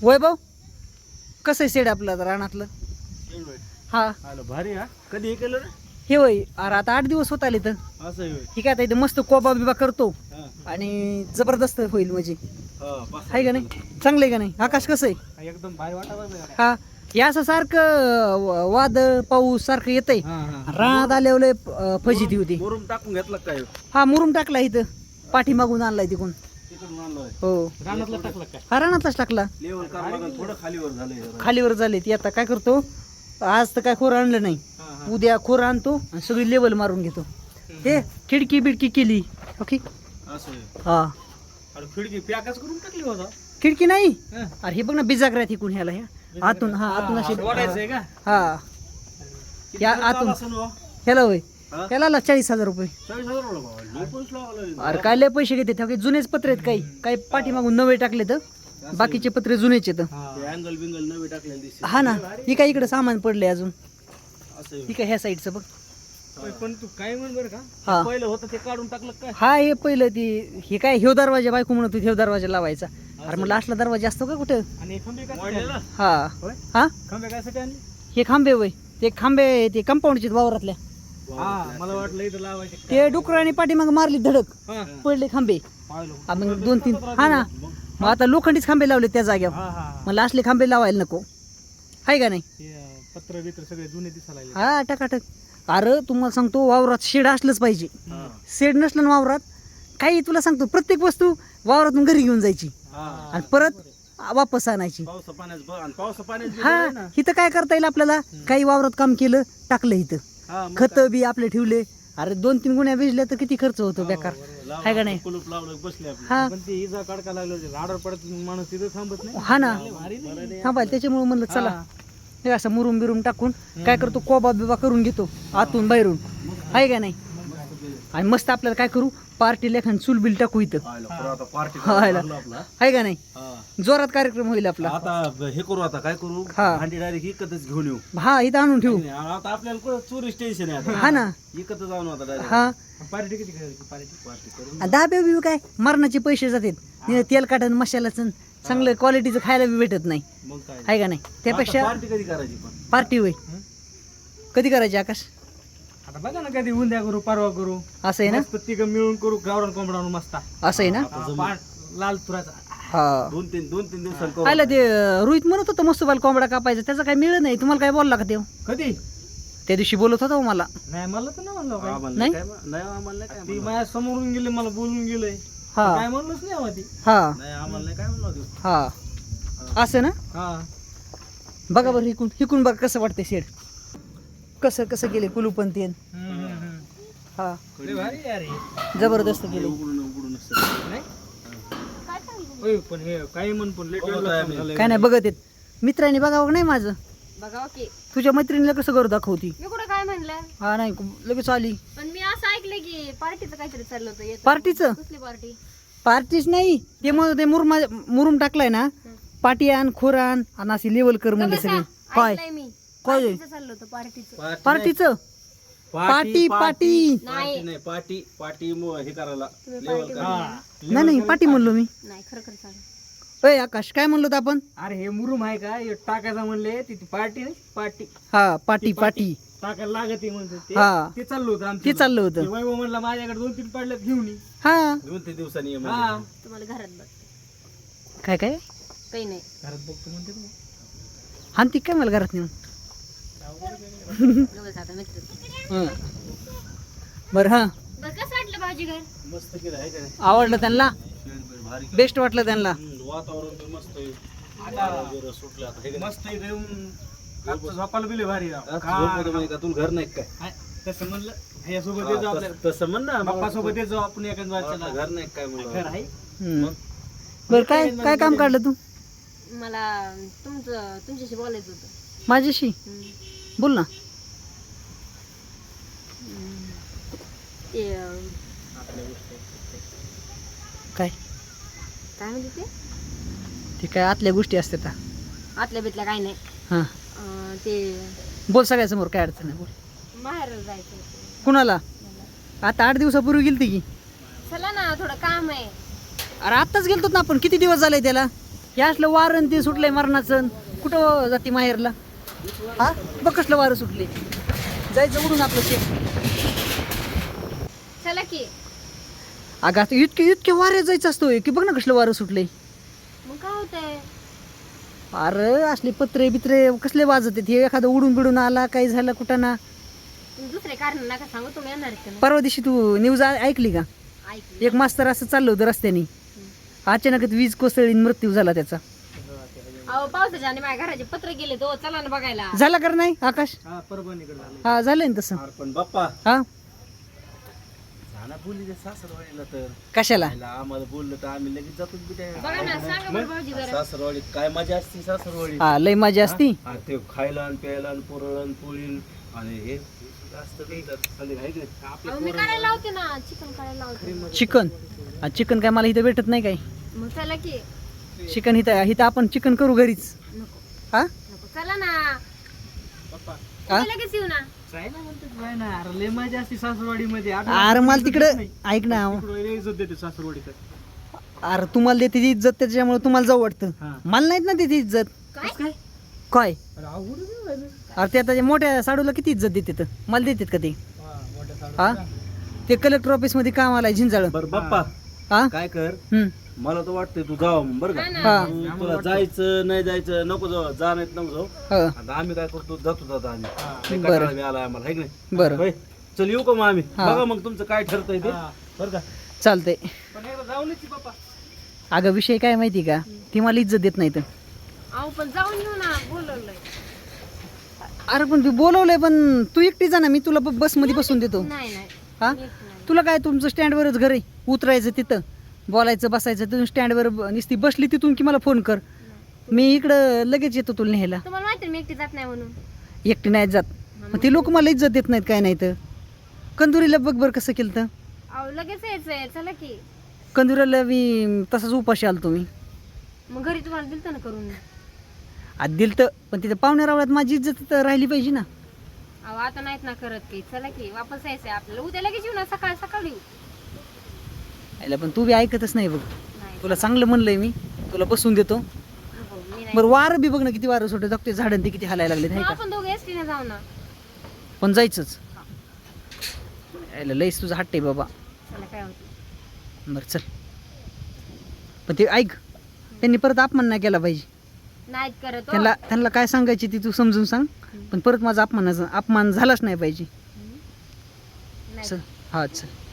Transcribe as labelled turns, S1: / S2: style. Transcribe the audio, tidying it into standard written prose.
S1: वैभव कसं आहे शेड आपलं रानातलं? हा
S2: आलं भारी हा. कधी हे केलं रे?
S1: हे होय. अरे आता 8 दिवस होत आले तर
S2: असं आहे होय.
S1: ठीक आहे. आता इथे मस्त कोबा बिबा करतो
S2: हा.
S1: आणि जबरदस्त होईल म्हणजे.
S2: हा, बस.
S1: आहे का नाही? चांगलं आहे का नाही? आकाश कसं आहे?
S2: एकदम भारी वाटत.
S1: हा हे असं सारखं वादळ पाऊस सारखं येतंय. रानात आल्यावर फजिती होती.
S2: मुरुम टाकून घेतला काय?
S1: हा मुरुम टाकला इथं पाठीमागून आणलाय तिकडून.
S2: तिकडून आणलोय.
S1: हो
S2: रानातला टाकला काय?
S1: हा रानातलाच टाकला.
S2: लेवल करावं लागेल, थोडं खालीवर झालंय.
S1: खालीवर झाले ती. आता काय करतो आज तर काय खोर आणलं नाही. उद्या खोर आणतो आणि सगळी लेवल मारून घेतो. हे खिडकी बिडकी केली ओके.
S2: असं आहे.
S1: हा
S2: अरे खिडकी पॅकच करून टाकली होता.
S1: खिडकी नाही. अरे हे बघ ना बिजागऱ्यात इकून ह्याला ह्या आतून. हा आतून अशी
S2: वाढायचंय का?
S1: हा या आतून ह्याला होय. ह्याला 40,000 रुपये.
S2: 40,000 बाबा. लय पैसे लावले.
S1: अरे काय लय पैसे घेते. काही जुनेच पत्रे आहेत. काही पाठीमागून नवे टाकले तर बाकीचे पत्रे जुनेच आहेत.
S2: अँगल बिंगल नवी टाकलेली दिसते.
S1: हा ना ही काय इकडे सामान पडले अजून.
S2: असं आहे.
S1: ही काय ह्या साईडचं बघ.
S2: पण तू काय म्हण बरं का?
S1: हा
S2: पहिलं होतं ते काढून टाकलं काय?
S1: हा हे पहिलं ती हे काय ह्यो दरवाजा बायको म्हणत होती ह्यो दरवाजा लावायचा. अरे म्हणलं असला दरवाजा असतो का कुठं?
S2: आणि खंबे काय?
S1: हा हा
S2: खंबे कायसाठी आणले?
S1: हे खांबे वय ते खांबे ते कंपाऊंडचे वावरातल्या.
S2: हा मला वाटलं इथं लावायचे.
S1: ते डुकराने पाठीमाग मारली धडक
S2: हा.
S1: पडले खांबे.
S2: पाहिलं.
S1: हा, मग 2-3 हा ना मग आता लोखंडीच खांबे लावले त्या जाग्यावर.
S2: हा हा.
S1: मला असले खांबे लावायला नको आहे का नाही.
S2: पत्र बित्र सगळे जुने दिसायला लागले.
S1: हा टकाटक. अरे तुम्हाला सांगतो वावरात शेड असलंच पाहिजे. शेड नसलं ना वावरात काही तुला सांगतो प्रत्येक वस्तू वावरातून घरी घेऊन जायची आणि परत वापस आणायची. हा इथं काय करता येईल आपल्याला? काही वावरात काम केलं टाकलं इथं खत बी आपले ठेवले. अरे 2-3 गुण्या भिजल्या तर किती खर्च होतो बेकार आहे का नाही.
S2: कुलूप लावलं बसले आपले.
S1: हा
S2: पण ते इजा काढका लागलं राडर पडत माणूस तिथं थांबत नाही.
S1: हा ना थांबाय त्याच्यामुळे म्हणलं चला हे असं मुरुम बिरुम टाकून काय करतो कोबा बिबा करून घेतो आतून बाहेरून आहे का नाही. आणि मस्त आपल्याला काय करू पार्टी लेखन चूल बिल टाकू इथं आहे का नाही. जोरात कार्यक्रम होईल आपला.
S2: आता हे करू आता काय करू
S1: हा.
S2: भांडी डायरेक्ट इकतच घेऊन येऊ.
S1: हा इथं आणून ठेवू.
S2: आता आपल्याला चोरीस टेन्शन आहे आता.
S1: हा ना
S2: इकत जाऊन आता डायरेक्ट.
S1: हा
S2: पार्टी किती करायची? पार्टी करून
S1: आणि दहा बिव काय मरणाचे पैसे जातात. तेल काटन मशालाचं चांगलं क्वालिटीचं खायला बी भेटत नाही
S2: मग काय
S1: आहे का नाही. त्यापेक्षा
S2: पार्टी कधी करायची पण?
S1: पार्टी होय कधी करायची आकाश?
S2: आता बघा ना कधी उद्या करू परवा करू.
S1: असं आहे ना.
S2: मस्त तिघं मिळून करू गावरान कोंबडा मस्त.
S1: असं आहे ना.
S2: लाल तुराचा
S1: हा
S2: 2-3 दिवसांनी करू.
S1: आलं ते रोहित म्हणत होतं मस्त बाल कोंबडा कापायचा त्याचं काय मिळलं नाही. तुम्हाला काय बोलला का ते?
S2: कधी?
S1: त्या दिवशी बोलत होता हो मला.
S2: नाही मला तर नाही म्हणलं काय.
S1: नाही?
S2: नाही आम्हाला काय. ती माझ्या समोरून गेले मला बोलून गेलंय.
S1: हा
S2: काय म्हणलंच नाही आम्हाला ती.
S1: हा
S2: नाही आम्हाला नाही काय म्हणलं होतं.
S1: हा असं ना.
S2: हा
S1: बघा बरं हिकून हिकून बघा कसं वाटतंय शेड. कसं कसं गेले कुलूपण तेन. हा
S2: लय भारी आहे यार हे.
S1: जबरदस्त गेले.
S2: उघडून असतं. नाही? होय, पण हे काही म्हण पण लेट झालंय.
S1: काय नाही बघत येत. मित्रांनी बघावं नाही माझं.
S3: बघा की
S1: तुझ्या मैत्रिणीला कसं करू दाखवती.
S3: मी कुठं काय म्हणलं
S1: हा नाही लगेच आली.
S3: पण मी असं ऐकलं की पार्टीचं काहीतरी चाललं होतं येतं.
S1: पार्टीचं?
S3: कसली पार्टी?
S1: पार्टीच नाही ते मग ते मुरुम टाकलाय ना. पाटी आण खोर आण आणि अशी लेवल कर म्हणजे सगळी. काय
S3: ऐकलंय मी
S1: काय
S3: पार्टीचं चाललं होतं पार्टीचं.
S1: पार्टीचं पाटी पाटी
S3: नाही
S2: पाटी हे करायला
S3: तुम्ही पार्टी
S1: नाही नाही पाटी म्हणलो मी.
S3: नाही खरं खरं सांग.
S1: अय आकाश काय म्हणलो होतो आपण?
S2: अरे हे मुरुम आहे का हे टाकायचं म्हणले ती पार्टी नाही पार्टी
S1: हा पाटी पाटी
S2: टाकायला लागत म्हणते ते.
S1: हा.
S2: ते चाललं होतं आमचं.
S1: ते चाललं होतं.
S2: ते वैभव म्हणला माझ्याकडे 2-3 पडल्यात घेऊन ये.
S1: हा
S2: 2-3 दिवसांनी ये
S3: तुम्हाला घरात बघते
S1: काय काय
S3: काही नाही.
S2: घरात बघतो म्हणते तू.
S1: हानती काय मला घरात नेऊन.
S3: गवस आता मित्र.
S1: बरं हा
S3: बरं कसं वाटलं भाजी घर?
S2: मस्त केलं आहे का नाही?
S1: आवडलं त्यांना.
S2: भारी
S1: बेस्ट वाटलं त्यांना.
S2: वातावरण पण मस्त आहे. आता सुटलं आता हे का नाही? मस्त इथे येऊन आजचं झोपायला बिले भारी राव. का तुला घर नाही काय? तसं म्हणलं ह्यासोबत येतो आपल्याला. तसं म्हण ना बाप्पा सोबत येतो आपण एखाद वाचायला. घर नाही काय म्हणलं? घर आहे.
S1: बरं काय काय काम काढलं तू?
S3: मला तुमच्याशी बोलायचं होतं.
S1: माझ्याशी बोल ना.
S3: ते
S1: काय
S3: काय म्हणते ते
S1: ते काय आतल्या गोष्टी असतात.
S3: आतल्या बितल्या काही नाही.
S1: हा
S3: ते
S1: बोल सगळ्यासमोर काय अडचण नाही बोल.
S3: बाहेर जायचं होतं.
S1: कुणाला? आता 8 दिवसापूर्वी गेलती की.
S3: चला ना थोडं काम आहे.
S1: अरे आत्ताच गेलतो ना आपण. किती दिवस झाले त्याला? हे असलं वारण ते सुटलंय मरणाचं. कुठं जाते माहेरला? हा बघ कसलं वारं सुटले. जायचं उडून आपलं शेत.
S3: चला की.
S1: अगं आता इतके वारे जायचं असतो की बघ ना कसलं वारं सुटलंय.
S3: मग काय होतंय?
S1: अरे असले पत्रे बित्रे कसले वाजत आहेत. हे एखादं उडून बिडून आला काही झालं कुठं ना.
S3: तुम्ही दुसरे कारण नका सांगू, तुम्ही येणार आहेत का नाही?
S1: परवा दिवशी तू न्यूज ऐकली का?
S3: ऐकलं.
S1: एक मास्तर असं चाललं होतं रस्त्याने, अचानकच वीज कोसळीन मृत्यू झाला त्याचा.
S3: अहो पावसाच्या आणि माझ्या घराचे पत्र गेले तो, चला ना बघायला.
S1: झाला का नाही आकाश?
S2: हा परभणीकडे झालं.
S1: हा झालंय ना तसं.
S2: पण बाप्पा
S1: हा
S2: झाला बोलली ते सासरवाडीला, तर
S1: कशाला?
S2: आईला आम्हाला बोललं तर आम्ही लगेच जातो बिट्या.
S3: बघा ना, सांगा बरं भाऊजी जरा.
S2: सासरवाडीत काय मजा असते सासरवाडीत.
S1: हा लय मजा असती.
S2: हा, ते खायला आणि प्यायला आणि पुरळण पोळीन आणि हे असतं काही संध्याकाळी आहे की नाही?
S3: अहो, मी करायला लावते ना, चिकन करायला लावते.
S1: चिकन काय मला इथं भेटत नाही काय.
S3: मग चला की.
S1: चिकन इथं आपण चिकन करू घरीच.
S3: नको
S1: हा
S3: नको, चला ना.
S2: बाप्पा
S1: हा?
S3: तुम्ही लगेच येऊ ना.
S2: जायला म्हणतात जाय ना. अरे लय मजा असते सासरवाडीमध्ये.
S1: अरे मला तिकडं ऐक ना.
S2: इज्जत देते सासरवाडीत.
S1: अरे तुम्हाला देते ती इज्जत त्याच्यामुळे तुम्हाला जाऊ वाटतं.
S2: हा.
S1: मला नाहीत ना देते इज्जत.
S3: काय?
S1: काय
S2: अरे अवघड आहे राहिलं.
S1: अरे ते आता मोठ्या साडूला किती इज्जत देते तर मला देतात का ते?
S2: मोठ्या साडू.
S1: हा ते कलेक्टर ऑफिस मध्ये काम आलाय झिंजाळ.
S2: बरं बाप्पा
S1: हा
S2: काय कर,
S1: हम्म.
S2: मला तर वाटतंय तू जावं बरं
S3: हा ना.
S2: का.
S1: हा.
S2: तू- तुला जायचं नाही जायचं नको जाऊ, जा नाही नको जाऊ.
S1: हा
S2: आता आम्ही काय करतो, जातो आम्ही. लय
S1: बरं.
S2: कंटाळा बी आलाय आम्हाला, है की नाही?
S1: बरं
S2: होय, चल येऊ का मग आम्ही?
S1: हा.
S2: बघा मग तुमचं काय ठरतंय ते. बरं का.
S1: चालतंय.
S2: पण एकदा जाऊनच ये बाप्पा.
S1: अगं विषय काय माहिती का, ती मला इज्जत देत नाही तर.
S3: अहो पण जाऊन येऊ ना, बोलवलंय.
S1: अरे पण तू बोलवलंय, पण तू एकटी जा ना, मी तुला बसमध्ये बसून देतो.
S3: नाही नाही
S1: हा
S3: येत नाही.
S1: तुला काय, तुमचं स्टँडवरच घर आहे, उतरायचं तिथं, बोलायचं बसायचं. तिथून स्टँडवर नुसती बसली तिथून की मला फोन कर, मी इकडं लगेच येतो तुला न्यायला.
S3: तुम्हाला माहिती आहे मी एकटी जात नाही म्हणून.
S1: एकटी नाही जात. मग ते लोक मला इज्जत देत नाहीत काय नाही तर. कंदुरीला बघ बरं कसं केलं तर.
S3: अहो लगेच यायचंय, चला की.
S1: कंदुरीला मी तसाच उपाशी आलो तुम्ही.
S3: मग घरी तुम्हाला दिलतं ना करून.
S1: आज दिलं तर, पण तिथं पाहुण्या रावळ्यात माझी इज्जत तर राहिली पाहिजे ना.
S3: अहो आता नाहीत ना करत काही, चला की वापस यायचंय आपल्याला. उद्या लगेच येऊ ना, सकाळ सकाळी येऊ.
S1: याला पण तू बी ऐकतच नाही बघ.
S3: नाही
S1: तुला चांगलं म्हणलंय मी, तुला बसून देतो.
S3: नको, मी नाही.
S1: बरं वारं बी बघ ना किती वारं सुटत, ते झाडं ते किती हालायला लागले
S3: मग
S1: नाही का.
S3: आपण दोघे एसटीने जाऊ ना.
S1: पण जायचंच. याला लईच तुझा हट्ट आहे बाबा.
S3: चला काय होतं.
S1: बरं चल. पण ते ऐक, त्यांनी परत अपमान नाही केला पाहिजे.
S3: नाहीत करत हो.
S1: त्यांना काय सांगायची ती तू समजून सांग, पण परत माझा अपमान झालाच नाही पाहिजे.
S3: नाही.
S1: चल. हा चल.